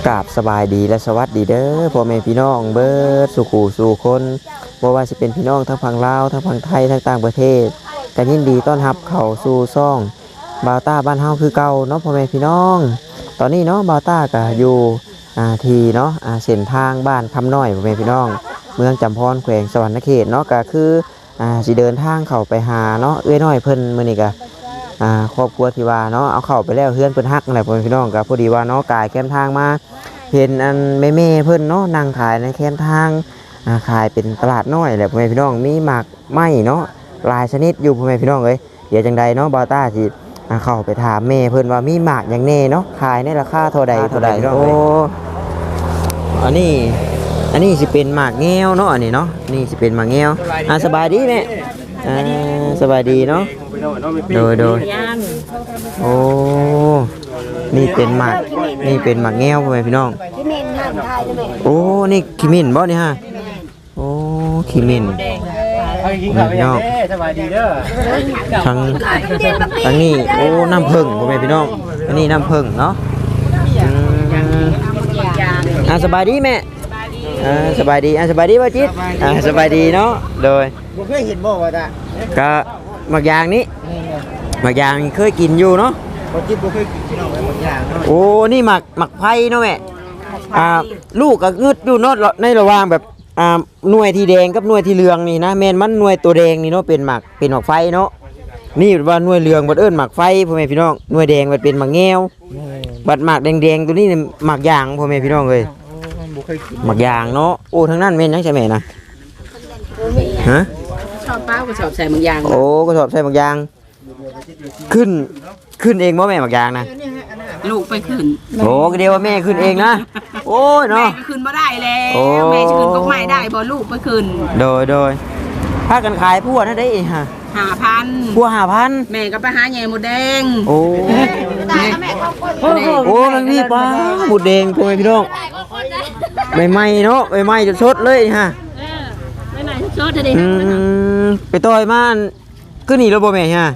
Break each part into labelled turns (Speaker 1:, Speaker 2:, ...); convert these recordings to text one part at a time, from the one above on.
Speaker 1: กราบสบายดีและสวัสดีเด้อพ่อแม่พี่น้องเบิดสู่ขู่สู่คนบ่ว่าสิเป็นพี่น้องทั้งฝั่งลาวทั้งฝั่งไทยทั้งต่างประเทศก็ยินดีต้อนรับเข้าสู่ซ่องบาวต้าบ้านเฮาคือเก่าเนาะพ่อแม่พี่น้องตอนนี้เนาะบาวต้าก็อยู่ที่เนาะเส้นทางบ้านคำน้อยพ่อแม่พี่น้องเมืองจำพรแขวงสวรรณเขตเนาะก็คือสิเดินทางเข้าไปหาเนาะเอ้ยน้อยเพิ่นมื้อนี้ก็ครอบครัวที่ว่าเนาะเอาเข้าไปแล้วเฮือนเพิ่นฮักนั่นแหละพ่อแม่พี่น้องก็พอดีว่าเนาะกายแคมทางมาเห็นอันแม่ๆเพิ่นเนาะนั่งขายในแคมทางขายเป็นตลาดน้อยแหละพ่อแม่พี่น้องมีหมากไม้เนาะหลายชนิดอยู่พ่อแม่พี่น้องเอ้ยเดี๋ยวจังใดเนาะบาวต้าสิเข้าไปถามแม่เพิ่นว่ามีหมากหยังแน่เนาะขายในราคาเท่าใดโอ้อันนี้สิเป็นหมากแง้วเนาะอันนี้เนาะนี่สิเป็นหมากแง้วสบายดีแม่สบายดีเนาะโดยโอ้นี่เป็นหมากแง้วพ่อแม่พี่น้องโอ้นี่ขี้มิ้นบ่นี่ฮะโอ้ขี้มิ้นพี่น้อง
Speaker 2: สบายดีเด้อ
Speaker 1: ทางนี้โอ้น้ำผึ้งพ่อแม่พี่น้องอันนี้น้ำผึ้งเนาะสบายดีแม่สบายดีสบายดีป่ะจิ๊ดสบายดีเนาะโดย
Speaker 2: บ่เคยเห็นบ่ว่าจ้ะ
Speaker 1: ก็หมักยางนี้หมักยางเคยกินอยู่เนาะ
Speaker 2: บ่จิ๊ดบ่เคยกินพี่น้องไว้หมดอย่างเนาะ
Speaker 1: โอ้นี่หมักไผ่เนาะแม่ลูกก็งึดอยู่เนาะในระหว่างแบบหน่วยที่แดงกับหน่วยที่เหลืองนี่นะแม่นมันหน่วยตัวแดงนี่เนาะเป็นหมักไฟเนาะนี่ว่าหน่วยเหลืองบัดเอิ้นหมักไฟพ่อแม่พี่น้องหน่วยแดงบัดเป็นหมักแง้วบัดหมักแดงๆตัวนี้หมักยางพ่อแม่พี่น้องเอ้ยหมักยางเนาะโอ้ทั้งนั้นแม่นยังใช่แม่นะฮะ
Speaker 3: ชอบเป้าก็ชอบใส่หมักยาง
Speaker 1: โอ้ก็ชอบใส่หมักยางขึ้นเองบ่แม่หมักยางนะ
Speaker 3: ลูกไปขึ้น
Speaker 1: โอ้ก็เดียวว่าแม่ขึ้นเองนะโอ้ยเนาะ
Speaker 3: แม่ขึ้นบ่ได้แล้วแม่จะขึ้นก็ไม่ได้บ่ลูกไปขึ้น
Speaker 1: โดยถ้ากันขายพวกนั่นได้ฮะ
Speaker 3: 5,000
Speaker 1: พวก5,000
Speaker 3: แม่ก็ไปหาใหญ่หมดแดง
Speaker 1: โอ้มันมีปลาหมดแดงพ่อแม่พี่น้องใหม่ๆเนาะใหม่ๆจนสดเลยฮะ
Speaker 3: ไม่ไหนสดเลย
Speaker 1: ไปต่อยมันก็หนีแล้วบ่แม่ฮะ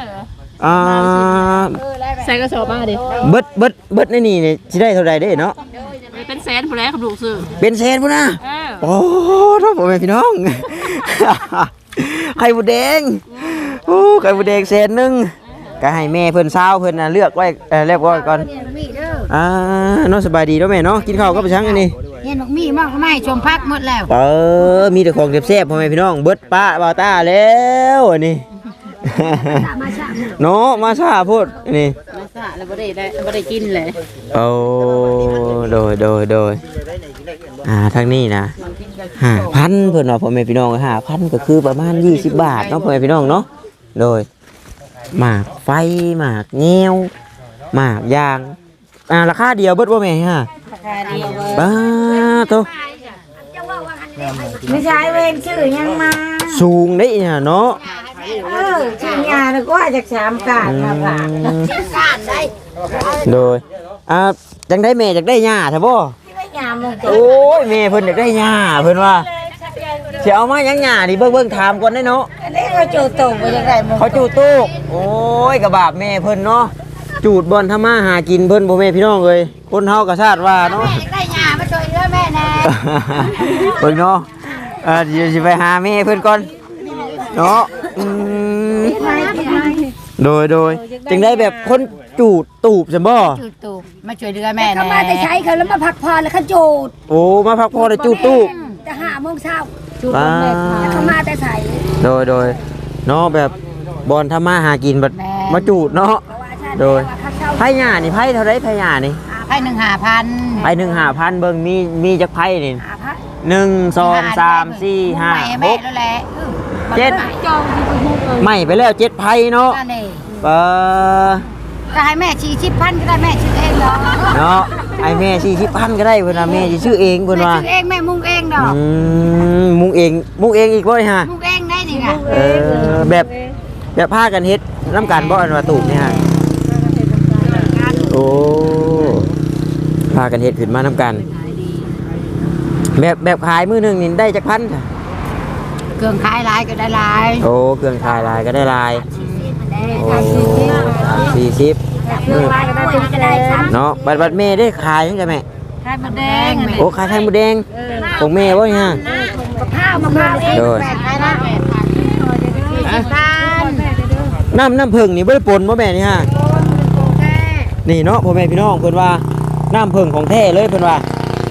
Speaker 3: ใส่กระสอบมาดิ
Speaker 1: เบิดในนี่สิได้เท่าใดเด้เนาะ
Speaker 3: เป็นแสนพุ่นแล้วครับลูกซื้อ
Speaker 1: เป็นแสนพุ่นนะโอ้ท้องพ่อแม่พี่น้องไข่หมูแดงโอ้ไข่หมูแดงแสนนึงก็ให้แม่เพิ่นเช้าเพิ่นเลือกไว้เรียบร้อยก่อนน้องสบายดีเนาะแม่เนาะกินข้าวก็ไปชั้งอันนี้
Speaker 3: เห็นบอกมีมากไม่ชมพักหมดแล้ว
Speaker 1: มีแต่ของแซ่บๆพ่อแม่พี่น้องเบิดป้าบ่าวต้าแล้วอันนี้เนาะมาซาพูดนี่
Speaker 3: มาซาแล้วบ่ได้กินเลย
Speaker 1: โอ้โดยทางนี้นะ5,000เพิ่นว่าพ่อแม่พี่น้อง5,000ก็คือประมาณ20 บาทเนาะพ่อแม่พี่น้องเนาะโดยหมากไฟหมากแง้วหมากยางราคาเดียวเบิดบ่แม่ฮะ
Speaker 3: ราคาเดียว
Speaker 1: บ้าโต
Speaker 3: ไม่ใช่เวรชื่อยังมา
Speaker 1: สูงได้เนาะ
Speaker 3: ชื่อยาแล้วก็จาก3กาดมาฝาก
Speaker 1: โดยจังได้แม่จักได้หญ้าใช่บ่โอ้ยแม่เพิ่นอยากได้หญ้าเพิ่นว่าสิเอามาหยังหญ้าดิเบิ่งถามก่อนได้เนาะ
Speaker 3: อันนี้เขาจูดตูกบ่จังได๋
Speaker 1: เขาจูดตูกโอ้ยกระบาบแม่เพิ่นเนาะจูดบ่อนทำมาหากินเพิ่นบ่แม่พี่น้องเอ้ยคนเฮาก็ชาติว่าเนาะ
Speaker 3: ได้หญ้ามาช่วยเหลือแม่แน่
Speaker 1: เพิ่นเนาะเดี๋ยวสิไปหาแม่เพิ่นก่อนเนาะโดยจึงได้แบบคนจูดตูบใช่บ่
Speaker 3: จูดตูบมาช่วยเหลือแม่
Speaker 4: เขามาแต่ใช้เขาแล้วมาพักผ่อนแล้วเขาจูด
Speaker 1: โอ้มาพักผ่อนแล้วจูดตูบ
Speaker 4: จะ5 โมงเช้าจูดแม่เขามาแต่ใส่
Speaker 1: โดยเนาะแบบบอลทำมาหากินแบบมาจูดเนาะโดยไผ่หญ้านี่ไผ่เท่าไรไผ่หญ้านี่
Speaker 3: ไผ่1,500
Speaker 1: ไผ่1,500เบิ่งมีจักไผ่นี่1 2 3 4 5 6 7ไม่ไปแล้ว7ไผ่เนาะ
Speaker 4: ก็ให้แม่40,000ก็ได้แม่ชื่อเองเ
Speaker 1: นาะไอ้แม่40,000ก็ได้เพิ่นว่าแม่สิชื่อเองเพิ่นว่า
Speaker 4: ชื่อเองแม่มุงเองดอก
Speaker 1: มุงเองอีกบ่ฮะ
Speaker 4: มุงเองได้นี่ค่ะ
Speaker 1: แบบพากันเฮ็ดน้ำกันบ่อันว่าตูบนี่ฮะโอ้พากันเฮ็ดขึ้นมาน้ำกันแบบขายมื้อนึงนี่ได้จักพัน
Speaker 4: เครื่องขายหลายก็ได้หลาย
Speaker 1: โอ้เครื่องขายหลายก็ได้หลายโอ้40เนาะบัดแม่ได้ขายยังไงแม่
Speaker 3: ไข่มดแดง
Speaker 1: โอ้ขายไข่มดแดงของแม่บ่นี่ฮะ
Speaker 4: กับข้าวมะพร้าวเอง
Speaker 1: โดย
Speaker 3: ไข่ละ40,000
Speaker 1: น้ำผึ้งนี่บ่ได้ปนบ่แม่นี่ฮะนี่เนาะพ่อแม่พี่น้องเพิ่นว่าน้ำผึ้งของแท้เลยเพิ่นว่า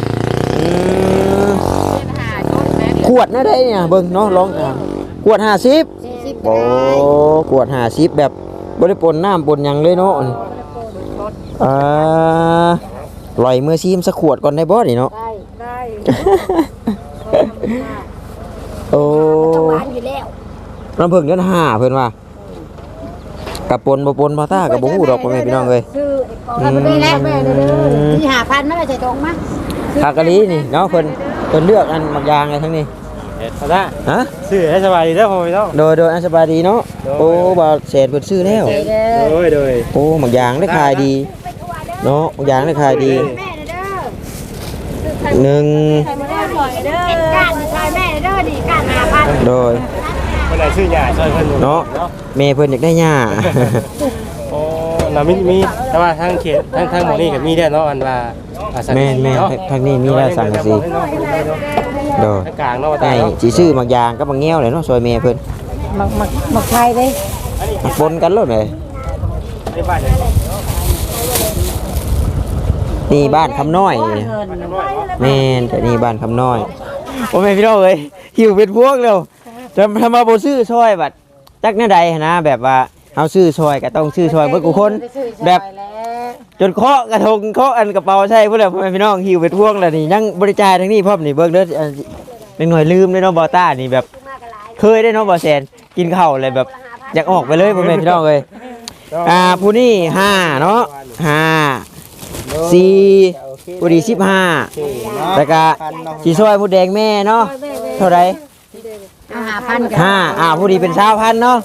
Speaker 1: ขวดน่ะได้เนี่ยเบิ่งเนาะลองขวด50โอ้ขวด50แบบบ่ได้ปนน้ำปนหยังเลยเนาะลอยมือซีมสักขวดก่อนได้บ่นี่เนาะ
Speaker 4: ได้
Speaker 1: โอ้
Speaker 4: หวานอยู่แล้ว
Speaker 1: น้ำผึ้งเดือน5เพิ่นว่ากับปนบ่ปนบ่ต้ากับบ่ฮู้ดอกพ่อแม่พี่น้องเอ้ย
Speaker 4: ซื้อไอ้กอน
Speaker 3: นี่แหละแม่เด้อที่5,000ไม่ใช่ตรงมั้ย
Speaker 1: คากะลีนี่เนาะเพิ่นเลือกอันบางอย่างเลยทั้งนี้
Speaker 2: เอาได้
Speaker 1: ฮะ
Speaker 2: ซื้อให้สบายดีเด้อพ่อพี่น้อง
Speaker 1: โดยอันสบายดีเนาะโอ้บ่าวแสนเพิ่นซื้อแล้ว
Speaker 2: โดย
Speaker 1: โอ้บางอย่างได้ขายดีเนาะบางอย่างได้ขายดีหนึ่ง
Speaker 4: ไข่มดแดงหน่อยเด้อก้านชายแม่เด้อดิก้าน5,000
Speaker 1: โดย
Speaker 2: คนไหนซื้อหญ้าช่วยเพิ่น
Speaker 1: เนาะแม่เพิ่นอยากได้หญ้า
Speaker 2: โอ้น่ะมีแต่ว่าทางเขตทางหมู่นี้ก็มีได้เนาะอันว่า
Speaker 1: แม่ทางนี้มีแล้วสังกะสีโดย
Speaker 2: ทางกลางเนาะว่า
Speaker 1: ไอ้
Speaker 2: ตาเนาะ
Speaker 1: สิซื้อบางอย่างกับบางแง้วเลยเนาะซอยแม่เพิ่น
Speaker 3: มักไข่เด้
Speaker 1: มาปนกันโลดเลย
Speaker 2: ในบ้านเนี่ย
Speaker 1: นี่บ้านคำน้อยนี่แม่นแต่นี่บ้านคำน้อยโอ้แม่พี่น้องเอ้ยหิวเป็นพวกแล้วจะทำมาบ่ซื้อซอยบัดจักแนวใดหั้นนะแบบว่าเฮาซื้อซอยก็ต้องซื้อซอยเบิดกูคนแบบจนเคาะกระทงเคาะอันกระเป๋าใช่พุ่นแล้วพ่อแม่พี่น้องหิวเป็นพวกแล้วนี่ยังบริจาคทั้งนี้พร้อมนี่เบิ่งเด้อนิดหน่อยลืมเลยเนาะบ่ต้านี่แบบเคยได้เนาะบ่แซนกินข้าวอะไรแบบอยากออกไปเลยพ่อแม่พี่น้องเอ้ยผู้นี้5เนาะ5 4ผู้ดี15แล้วก็สิซอยผู้แดงแม่เนาะเท่าไหร่
Speaker 3: 5,000
Speaker 1: ผู้ดีเป็น20,000เนาะ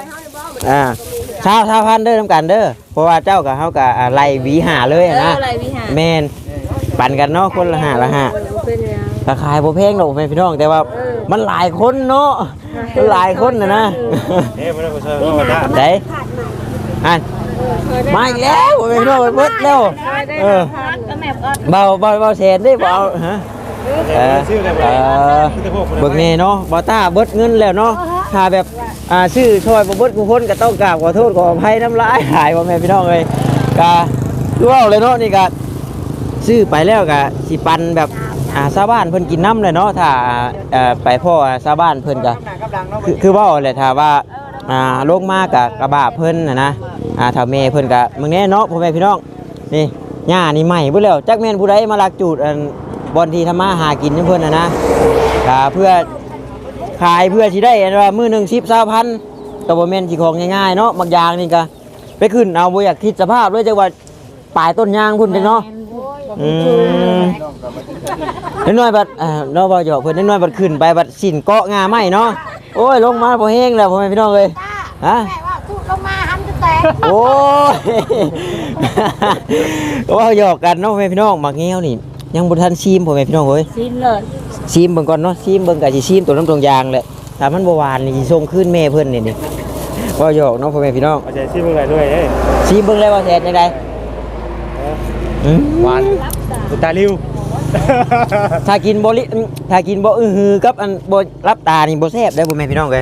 Speaker 1: 20,000เด้อนำกันเด้อเพราะว่าเจ้ากับเฮาก็ไล่หวีหาเลยนะแม่นปั่นกันเนาะคนละ5ละ5ราคาบ่แพงดอกแม่พี่น้องแต่ว่ามันหลายคนเนาะมันหลายคนนะ
Speaker 2: เอ๊ะบ่ได้บ่ช่วยเนาะว่าตา
Speaker 1: ได้อันมาอีกแล้วแม่พี่น้องเบิดแล้วเบาแสนได้บ่เอาฮะเบิกแน่เนาะบ่ต้าเบิดเงินแล้วเนาะถ้าแบบซื้อช่วยบ่เบิดผู้คนก็ต้องกราบขอโทษขออภัยน้ำลายหายบ่แม่พี่น้องเอ้ยก็คือว่าเลยเนาะนี่ก็ซื้อไปแล้วก็สิปันแบบชาวบ้านเพิ่นกินน้ำเลยเนาะถ้าไปพ่อชาวบ้านเพิ่นก็คือว่าแหละถ้าว่าลงมากับกระบะเพิ่นนะถ้าแม่เพิ่นก็มึงแน่เนาะพ่อแม่พี่น้องนี่หญ้านี่ใหม่เบิดแล้วจักแม่นผู้ใดมาลักจูดบอนที่ทำมาหากินเพื่อนนะเพื่อขายเพื่อที่ได้ว่ามือหนึ่ง10-20,000ตัวแม่นสิของง่ายๆเนาะบางอย่างนี่ก็ไปขึ้นเอาบ่อยากคิดสภาพด้วยจังว่าปลายต้นยางพุ่นจังเนาะน้อยบัดเนาะบ่หยอกเพิ่นน้อยบัดขึ้นไปบัดสินเกาะงาไม้เนาะโอ้ยลงมาบ่แห้งแล้วพ่อแม่พี่น้องเอ้ยฮะ
Speaker 4: ลงมาหันจะแตก
Speaker 1: โอ้ยก็ว่าหยอกกันเนาะพ่อแม่พี่น้องมักแง้วนี่ยังบ่ทันซีมพ่อแม่พี่น้องเอ้ย
Speaker 3: สิ้นเลย
Speaker 1: ซีมเบิ่งก่อนเนาะซีมเบิ่งก็สิซีมตัวน้ำตรงยางแหละถ้ามันบ่หวานนี่สิส่งคืนแม่เพิ่นนี่ว่าหยอกเนาะพ่อแม่พี่น้อง
Speaker 2: เอาใจซื้อเบิ่งหน่อยด้วยเด้
Speaker 1: ซีมเบิ่งเลยว่าแซ่บจังได๋
Speaker 2: หวานอุตาลิว
Speaker 1: ถ้ากินบ่ฮือกับอันบ่รับตานี่บ่แซ่บเด้อพ่อแม่พี่น้องเอ้ย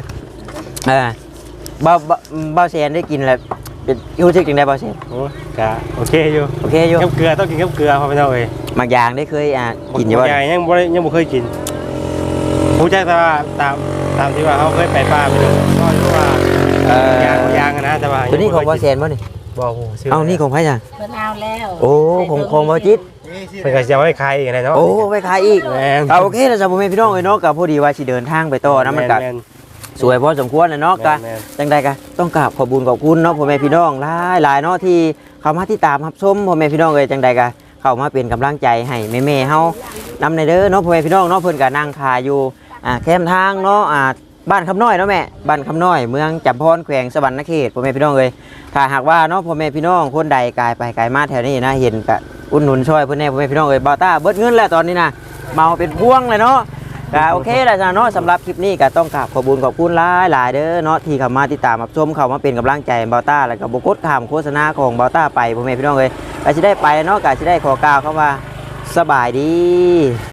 Speaker 1: บ่แซ่บได้กินแล้วเป็นรู้สึกจังได๋บ่แซ่บ
Speaker 2: โอ้กะโอเคอยู่
Speaker 1: โอเคอยู่
Speaker 2: กับเกลือต้องกินกับเกลือพ่อพี่น้องเอ้ย
Speaker 1: บางอย่างได้เคยกินอยู่บ่
Speaker 2: ใหญ่ยังบ่เคยกินผู้ใจแต่ว่าตามที่ว่าเขาเคยไปป่าไปดูก็รู้ว่ายางนะแต่ว่า
Speaker 1: ตัวนี้ของบ่แซ่บบ่นี่
Speaker 2: บ่ฮู้ซื้อ
Speaker 1: เอ้านี่ของไผจ้ะ
Speaker 3: เพิ่นเอาแล้ว
Speaker 1: โอ้ของบ่จิต
Speaker 2: เพิ่นก็สิเอาไว้ขายอีกนะเนาะ
Speaker 1: โอ้ไปขายอีก
Speaker 2: แม่น
Speaker 1: โอเคแล้วจ้ะพ่อแม่พี่น้องเอ้ยเนาะก็พอดีว่าสิเดินทางไปต่อนะมันก็
Speaker 2: แม่น
Speaker 1: สวยพอสมควรนะเนาะก็
Speaker 2: แม่น
Speaker 1: จังใดก็ต้องกราบขอบคุญขอบคุณเนาะพ่อแม่พี่น้องหลายเนาะที่เข้ามาที่ตามรับชมพ่อแม่พี่น้องเอ้ยจังใดก็เข้ามาเป็นกำลังใจให้แม่ๆเฮานำในเด้อเนาะพ่อแม่พี่น้องเนาะเพิ่นก็นั่งทาอยู่แคมทางเนาะบ้านคำน้อยเนาะแม่บ้านคำน้อยเมืองจำพรแขวงสวรรณเขตพ่อแม่พี่น้องเอ้ยถ้าหากว่าเนาะพ่อแม่พี่น้องคนใดกายไปกายมาแถวนี้นะเห็นก็อุดหนุนช่วยเพิ่นแน่พ่อแม่พี่น้องเอ้ยบ่าวต้าเบิดเงินแล้วตอนนี้นะเมาเป็นพวงเลยเนาะ ก็โอเคแล้วจ้ะเนาะสำหรับคลิปนี้ก็ต้องกราบขอบคุณหลายเด้อเนาะที่เข้ามาติดตามรับชมเข้ามาเป็นกำลังใจเบาต้าแล้วก็บ่กดข้ามโฆษณาของเบาต้าไปพ่อแม่พี่น้องเอ้ยก็สิได้ไปเนาะก็สิได้ขอกล่าวคำว่าสบายดี